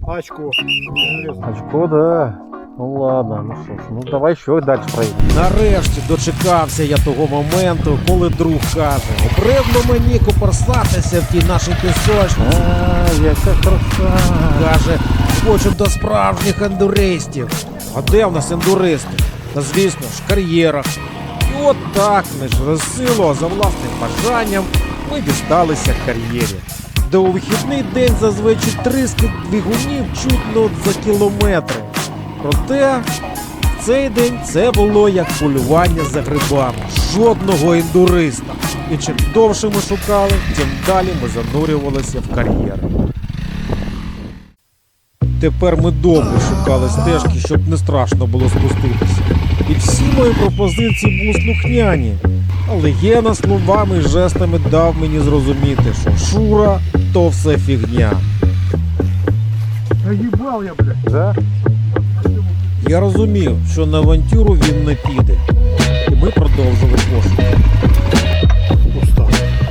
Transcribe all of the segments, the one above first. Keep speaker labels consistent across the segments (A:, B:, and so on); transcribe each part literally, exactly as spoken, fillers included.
A: Очко.
B: Очко, да. Ну ладно, ну що ж, ну давай ще далі проїдемо.
C: Нарешті дочекався я того моменту, коли друг каже: «Обривно мені куперсатися в тій нашій пісочниці».
B: А, яка краса.
C: Каже, хочу до справжніх ендуристів. А де в нас ендуристи? Та звісно ж, в кар'єрах. І от так, не через силу, а за власним бажанням ми дісталися кар'єрі, де у вихідний день зазвичай тріскіт двигунів чутно за кілометри. Проте в цей день це було як полювання за грибами. Жодного ендуриста. І чим довше ми шукали, тим далі ми занурювалися в кар'єр. Тепер ми довго шукали стежки, щоб не страшно було спуститися. І всі мої пропозиції були слухняні. Але Гена словами і жестами дав мені зрозуміти, що Шура – то все фігня.
A: Наїбав я, блядь.
B: Да?
C: Я розумів, що на авантюру він не піде. І ми продовжили пошуки.
A: Пусто.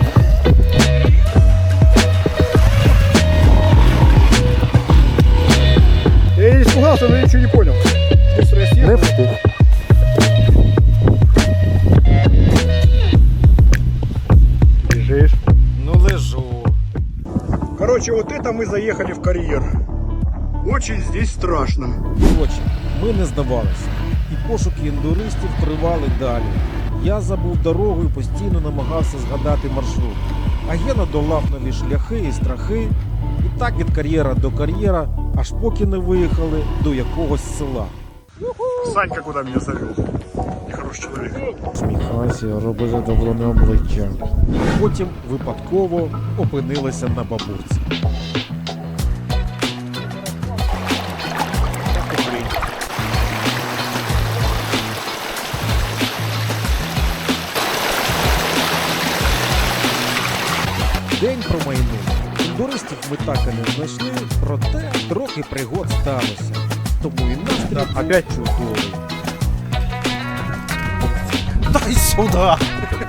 A: Я не испугался, но я ничего не понял. Быстро я съехал.
B: Не встиг.
A: Лежишь.
C: Ну лежу.
A: Короче, вот это мы заехали в карьер. Очень здесь страшно.
C: Коротше, ми не здавалися. І пошуки ендуристів тривали далі. Я забув дорогу і постійно намагався згадати маршрут. А Гена долав нові шляхи і страхи. І так від кар'єра до кар'єра, аж поки не виїхали до якогось села.
A: Санька куда меня завел? Нехороший человек.
C: Сміхайся, роби задоволене обличчя. Потім випадково опинилися на бабурці. День промайнув. Ендуристів ми так і не знайшли, проте трохи пригод сталося. Тому і настрій
A: Опять
C: чудовий.
A: Дай сюда!